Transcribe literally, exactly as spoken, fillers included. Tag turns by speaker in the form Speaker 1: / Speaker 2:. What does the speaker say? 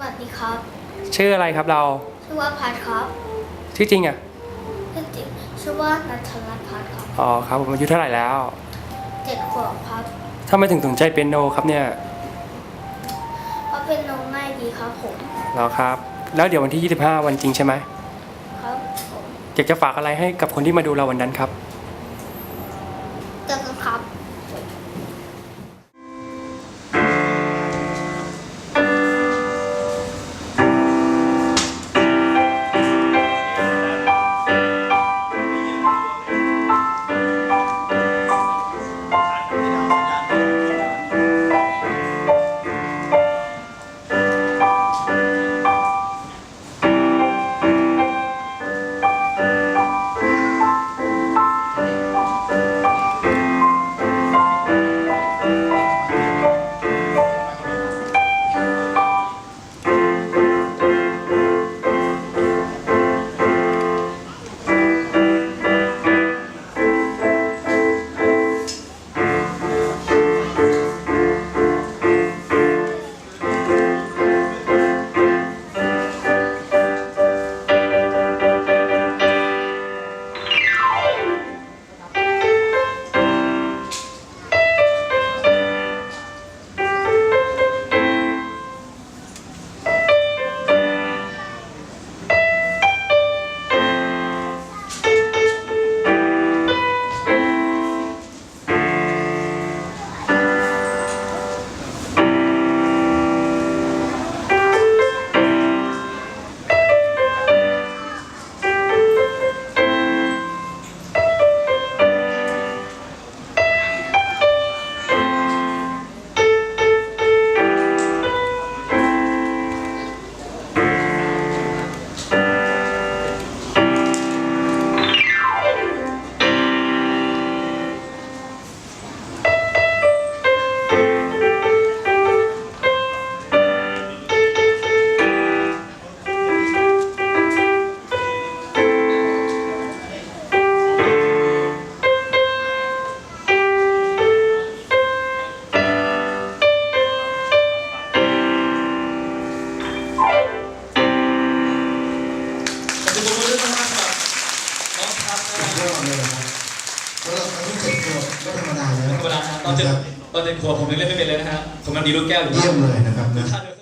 Speaker 1: วัสดีครับ
Speaker 2: ชื่ออะไรครับเรา
Speaker 1: ชื่อว่าพัดครับ
Speaker 2: ชื่อจริงอ่ะ
Speaker 1: ชื่อจริงชื่อว่านัทรัตน์พัดครับ
Speaker 2: อ๋อครับผมอายุเท่าไหร่แล้ว
Speaker 1: เจ็ดขวบครับ
Speaker 2: ทำไมถึงสนใจเปียโนครับเนี่ย
Speaker 1: เพราะเป็นน้องง่ายดีครับผม
Speaker 2: เหรอครับ แล้วเดี๋ยววันที่ยี่สิบห้าวันจริงใช่ไหม
Speaker 1: ครับผม
Speaker 2: อยากจะฝากอะไรให้กับคนที่มาดูเราวันนั้นครับ
Speaker 1: เจอกันครับ
Speaker 3: ขอบคุณทุกคนด้วยนะครับน้องพัดนะ
Speaker 4: ยอดเลยนะครับแล้วเราอายุเจ็ดขวบก็ธรรมดาแล้ว
Speaker 3: ธรรมดาครับตอนเจ็ดตอนเจ็ดขวบผมยังเล่นไม่เป็นเลยนะฮะผมมันดีลูกแก้วอยู่
Speaker 4: เยี่ยมเลยนะครับนะ
Speaker 3: ท่าน